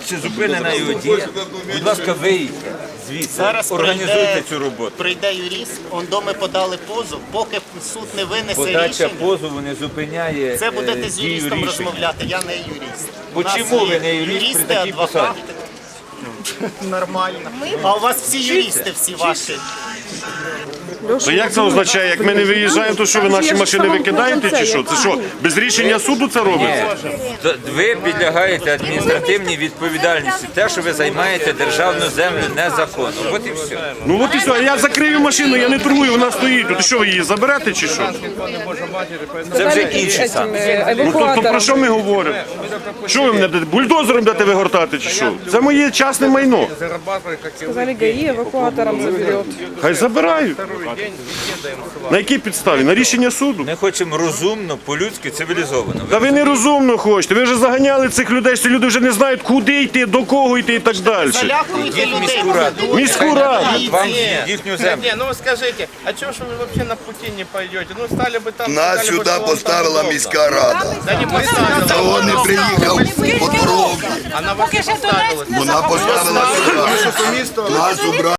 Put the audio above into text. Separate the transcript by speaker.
Speaker 1: чи зупинена його дія. Будь ласка, виїдьте звідси,
Speaker 2: Зараз
Speaker 1: організуйте цю роботу.
Speaker 2: Прийде юрист, доми подали позов, поки суд не винесе
Speaker 1: Подача
Speaker 2: рішення.
Speaker 1: позову не зупиняє
Speaker 2: Це будете з
Speaker 1: дію
Speaker 2: юристом
Speaker 1: рішення.
Speaker 2: розмовляти, я не юрист. У нас
Speaker 1: Чому ви
Speaker 2: є
Speaker 1: не юрист при
Speaker 2: юристи,
Speaker 1: такій посаді?
Speaker 2: адвокати. Нормально. А у вас всі юристи, всі ваші.
Speaker 3: То як це означає? Як ми не виїжджаємо, то що ви наші машини викидаєте чи що? Це що, без рішення суду це робиться?
Speaker 1: Ви підлягаєте адміністративній відповідальності, те, що ви займаєте державну землю незаконно. От і все.
Speaker 3: Ну от і все, я закрию машину, я не торгую, вона стоїть. То що ви її заберете чи що?
Speaker 1: Це вже інші саме.
Speaker 3: Ну то про що ми говоримо? Що ви мене бульдозером будете вигортати чи що? Це моє частне майно.
Speaker 4: Сказали, ГАИ эвакуатором заберет.
Speaker 3: Хай забирають. На якій підставі? На рішення суду?
Speaker 1: Ми хочемо розумно, по-людськи, цивілізовано.
Speaker 3: Та ви нерозумно хочете. Ви вже заганяли цих людей, що люди вже не знають, куди йти, до кого йти і так далі.
Speaker 2: Залякуйте людей.
Speaker 1: Міську раду.
Speaker 3: Міську раду.
Speaker 1: Вам їхню землю.
Speaker 5: Не, ну скажите, а чего ж вы вообще на пути не пойдете? Ну стали бы там...
Speaker 6: Нас
Speaker 5: сказали бы,
Speaker 6: сюди
Speaker 5: что вам там
Speaker 6: поставила
Speaker 5: удобно.
Speaker 6: міська рада.
Speaker 5: Да не поставила.
Speaker 6: Того не приїхав по дорозі.
Speaker 5: Она вас не поставила.
Speaker 6: Вона поставила сюди. Нас убрали.